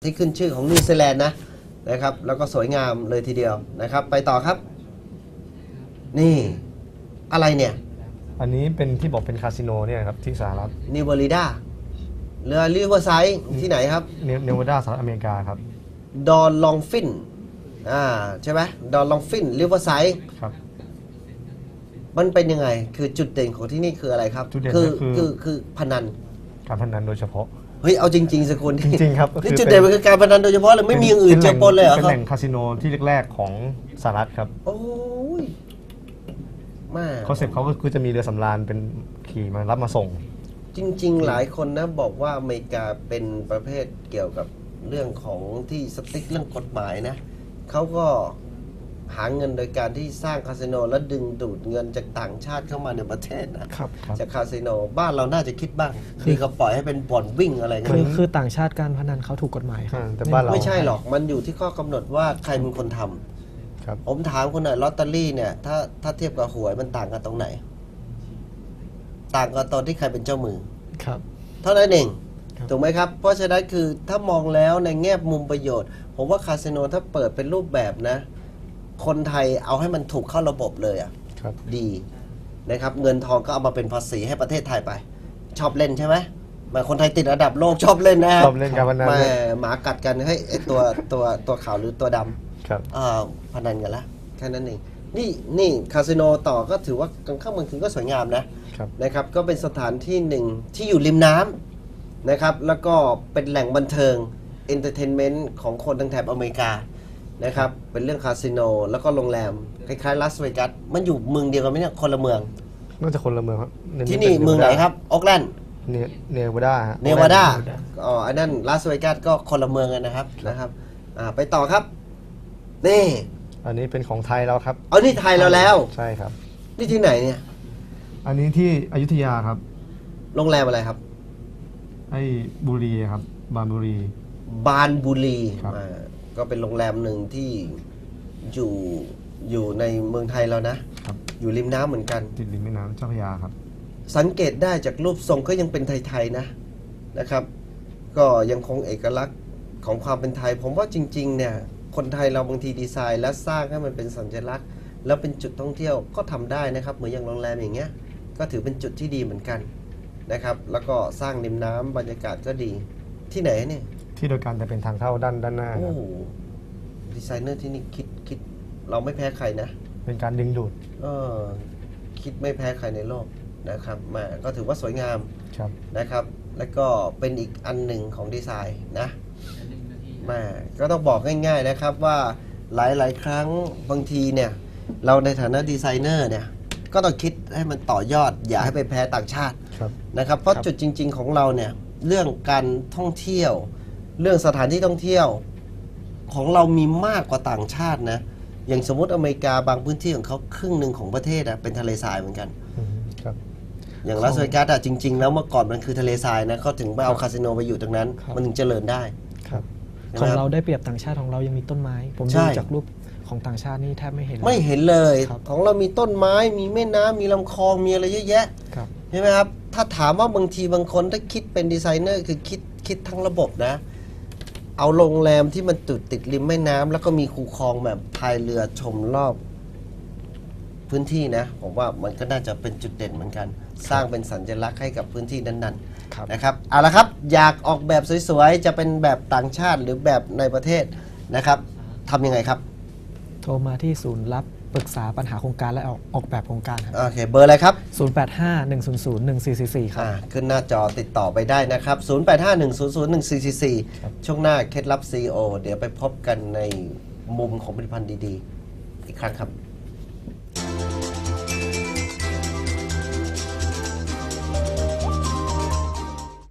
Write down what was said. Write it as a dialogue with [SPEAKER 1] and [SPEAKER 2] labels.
[SPEAKER 1] ที่ขึ้นชื่อของนิวซีแลนด์นะครับแล้วก็สวยงามเลยทีเดียวนะครับไปต่อครับนี่อะไรเนี่ย
[SPEAKER 2] อันนี้เป็นที่บอกเป็นคาสิโนเนี่ยครับที่สหรัฐ
[SPEAKER 1] นิวเบริดาเรือริเวอร์ไซด์ที่ไหนครับ
[SPEAKER 2] เนวาดาสหรัฐอเมริกาครับ
[SPEAKER 1] ดอนลองฟินใช่ไหมดอนลองฟินริเวอร์ไซด์
[SPEAKER 2] ครับ
[SPEAKER 1] มันเป็นยังไงคือจุดเด่นของที่นี่คืออะไรครับ
[SPEAKER 2] จุดเด่น
[SPEAKER 1] คือพนัน
[SPEAKER 2] การพนันโดยเฉพาะ
[SPEAKER 1] เฮ้ยเอาจริงๆสกุล
[SPEAKER 2] จริงๆครับ
[SPEAKER 1] นี่จุดเด่นมันคือการพนันโดยเฉพาะเลยไม่มีอย่างอื่นเจอปนเลยเหรอครับ
[SPEAKER 2] เป็นแหล่งคาสิโนที่แรกๆของสหรัฐครับ
[SPEAKER 1] โอ้ยมา
[SPEAKER 2] คอนเซ็ปต์เขาก็คือจะมีเรือสำราญเป็นขี่มารับมาส่ง
[SPEAKER 1] จริงๆหลายคนนะบอกว่าอเมริกาเป็นประเภทเกี่ยวกับเรื่องของที่สติ๊กเรื่องกฎหมายนะเขาก็หาเงินโดยการที่สร้างคาสิโนและดึงดูดเงินจากต่างชาติเข้ามาในประเทศนะครับจากคาสิโนบ้านเราน่าจะคิดบ้างคือเขาปล่อยให้เป็นบ่อนวิ่งอะไรกัน
[SPEAKER 3] คือต่างชาติการพนันเขาถูกกฎหมายครับ
[SPEAKER 2] แต่บ้านเรา
[SPEAKER 1] ไม่ใช่หรอกมันอยู่ที่ข้อกำหนดว่าใครเป็นคนทำผมถามคุณหน่อยลอตเตอรี่เนี่ยถ้าเทียบกับหวยมันต่างกันตรงไหนต่างกันตอนที่ใครเป็นเจ้ามือ
[SPEAKER 3] ครับ
[SPEAKER 1] เท่านั้นเองถูกไหมครับเพราะฉะนั้นคือถ้ามองแล้วในแง่มุมประโยชน์ผมว่าคาสิโนถ้าเปิดเป็นรูปแบบนะคนไทยเอาให้มันถูกเข้าระบบเลยดีนะครับเงินทองก็เอามาเป็นภาษีให้ประเทศไทยไปชอบเล่นใช่ไหมมาคนไทยติดอันดับโลกชอบเล่นนะครับ
[SPEAKER 2] ชอบเล่นการพนัน
[SPEAKER 1] หมากัดกันให้ตัวขาวหรือตัวดำ
[SPEAKER 2] ครับ
[SPEAKER 1] พนันกันละแค่นั้นเองนี่คาสิโนต่อก็ถือว่ากลางค่ำกลางคืนก็สวยงามนะครับก็เป็นสถานที่หนึ่งที่อยู่ริมน้ำนะครับแล้วก็เป็นแหล่งบันเทิงเอนเตอร์เทนเมนต์ของคนทางแถบอเมริกานะครับเป็นเรื่องคาสิโนแล้วก็โรงแรมคล้ายๆลาสเวกัสมันอยู่เมืองเดียวกันไหมเนี่ยคนละเมือง
[SPEAKER 2] น่าจะคนละเมืองครับ
[SPEAKER 1] ที่นี่เมืองไหนครับโอ๊คแลนด์
[SPEAKER 2] เนวาดา
[SPEAKER 1] อันนั้นลาสเวกัสก็คนละเมืองกันนะครับไปต่อครับนี่
[SPEAKER 2] อันนี้เป็นของไทยแล้วครับ
[SPEAKER 1] นี่ไทยเราแล้ว
[SPEAKER 2] ใช่ครับ
[SPEAKER 1] นี่ที่ไหนเนี่ย
[SPEAKER 2] อันนี้ที่อยุธยาครับ
[SPEAKER 1] โรงแรมอะไรครับ
[SPEAKER 2] ไอ้บุรีครับบานบุรี
[SPEAKER 1] ก็เป็นโรงแรมหนึ่งที่อยู่ในเมืองไทยแล้วนะอยู่ริมน้ำเหมือนกัน
[SPEAKER 2] ติดริมแม่น้ำเจ้าพระยาครับ
[SPEAKER 1] สังเกตได้จากรูปทรงก็ยังเป็นไทยๆนะครับก็ยังคงเอกลักษณ์ของความเป็นไทยผมว่าจริงๆเนี่ยคนไทยเราบางทีดีไซน์และสร้างให้มันเป็นสัญลักษณ์แล้วเป็นจุดท่องเที่ยวก็ทำได้นะครับเหมือนอย่างโรงแรมอย่างเงี้ยก็ถือเป็นจุดที่ดีเหมือนกันนะครับแล้วก็สร้างริมน้ำบรรยากาศก็ดีที่ไหนเนี่ย
[SPEAKER 2] ที่โดยการจะเป็นทางเข้าด้านหน้า
[SPEAKER 1] โอ้ดีไซเนอร์ที่นี่คิดเราไม่แพ้ใครนะ
[SPEAKER 2] เป็นการดึงดูด
[SPEAKER 1] คิดไม่แพ้ใครในโลกนะครับมาก็ถือว่าสวยงามนะครับแล้วก็เป็นอีกอันหนึ่งของดีไซน์นะมาก็ต้องบอกง่ายๆนะครับว่าหลายๆครั้งบางทีเนี่ยเราในฐานะดีไซเนอร์เนี่ยก็ต้องคิดให้มันต่อยอดอย่าให้ไปแพ้ต่างชาตินะครับเพราะจุดจริงๆของเราเนี่ยเรื่องการท่องเที่ยวเรื่องสถานที่ท่องเที่ยวของเรามีมากกว่าต่างชาตินะอย่างสมมติอเมริกาบางพื้นที่ของเขาครึ่งหนึ่งของประเทศเป็นทะเลทรายเหมือนกันอย่างลาสเวกัสจริงๆแล้วเมื่อก่อนมันคือทะเลทรายนะเขาถึงไปเอาคาสิโนไปอยู่ตรงนั้นมันถึงเจริญได้
[SPEAKER 3] ของเราได้เปรียบต่างชาติของเรายังมีต้นไม้ผมดูจากรูปของต่างชาตินี่แทบไม่เห็น
[SPEAKER 1] เลยของเรามีต้นไม้มีแม่น้ำมีลำคลองมีอะไรเยอะแยะใช่ไหมครับถ้าถามว่าบางทีบางคนถ้าคิดเป็นดีไซเนอร์คือคิดทั้งระบบนะเอาโรงแรมที่มันติดริมแม่น้ำแล้วก็มีคูคลองแบบพายเรือชมรอบพื้นที่นะผมว่ามันก็น่าจะเป็นจุดเด่นเหมือนกันสร้างเป็นสัญลักษณ์ให้กับพื้นที่นั้นๆนะครับเอาละครับอยากออกแบบสวยๆจะเป็นแบบต่างชาติหรือแบบในประเทศนะครับทำยังไงครับ
[SPEAKER 3] โทรมาที่ศูนย์รับปรึกษาปัญหาโครงการและออกแบบโครงการครับ
[SPEAKER 1] โอเคเบอร์อะไรครับ
[SPEAKER 3] 0851001444ครับ
[SPEAKER 1] ขึ้นหน้าจอติดต่อไปได้นะครับ0851001444ช่วงหน้าเคล็ดลับ CEO เดี๋ยวไปพบกันในมุมของผลิตภัณฑ์ดีๆอีกครั้งครับ